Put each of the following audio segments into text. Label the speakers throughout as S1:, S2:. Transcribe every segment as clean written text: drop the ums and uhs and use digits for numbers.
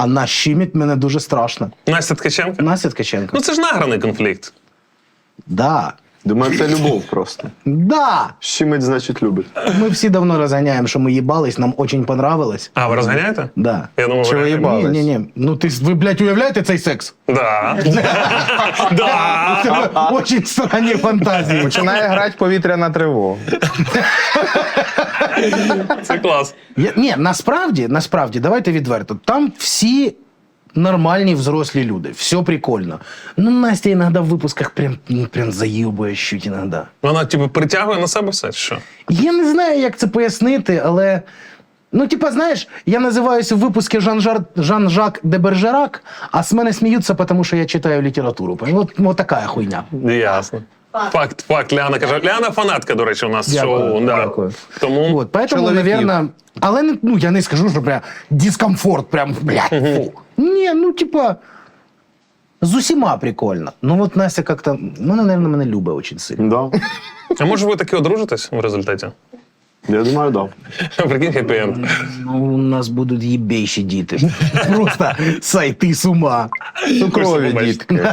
S1: вона щемить мене дуже страшно.
S2: Настя Ткаченко?
S1: Настя Ткаченко.
S2: Ну це ж награний конфлікт.
S1: Да.
S3: Думаю, це любов просто.
S1: Да.
S3: Щемить, значить, любить.
S1: Ми всі давно розганяємо, що ми їбались, нам очень понравилось.
S2: А, ви розганяєте?
S1: Да.
S2: Я думав,
S3: Чи ви їбали?
S1: Ні. Ну ви, блядь, уявляєте цей секс?
S2: Да.
S1: У
S2: Да.
S1: тебе очень странні фантазії.
S4: Починає грати повітряна тривога.
S2: Це клас.
S1: Ні, насправді, давайте відверто. Там всі нормальні взрослі люди. Все прикольно. Ну, Настя іноді в випусках прям заїбує щуть іноді.
S2: Вона, типу, притягує на себе все, чи що?
S1: Я не знаю, як це пояснити, але... Ну, типа, знаєш, я називаюся в випуску Жан-Жак де Бержерак, а з мене сміються, тому що я читаю літературу. Вот така хуйня.
S2: Ясно. Факт. Ляна каже. Ляна фанатка, до речі, у нас
S1: Дякую,
S2: шоу. Да.
S1: дякую.
S2: Тому
S1: Вот, поэтому,
S4: Чоловіків.
S1: наверное... Але, ну, я не скажу, що прям дискомфорт, прям, блядь, фу. Ні, ну, типа, з усіма прикольно. Ну, от Настя как-то, ну, наверное, мене любить очень сильно.
S3: Да.
S2: А може ви таки одружитесь в результаті?
S3: Я думаю, да.
S2: Прикинь, хеппі-енд.
S1: Ну, у нас будуть їбейші діти. Просто сойти з ума.
S4: Цукрові
S2: Побачите.
S4: дітки.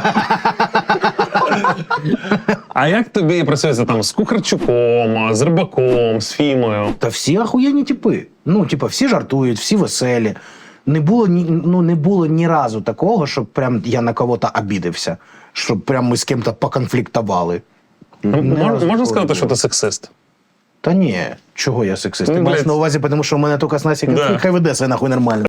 S2: А як тобі працюється там з Кухарчуком, з Рибаком, з Фімою?
S1: Та всі охуєнні типи. Ну, типа, всі жартують, всі веселі. Не було ні разу такого, щоб прям я на кого-то обідався. Щоб прям ми з ким-то поконфліктували.
S2: Можна сказати, що ти сексист?
S1: Та ні, чого я сексист?
S2: Ну,
S1: Ти маєш
S2: блядь.
S1: на увазі, тому що в мене тільки з Насі
S2: Да.
S1: хай веде себе нахуй нормально.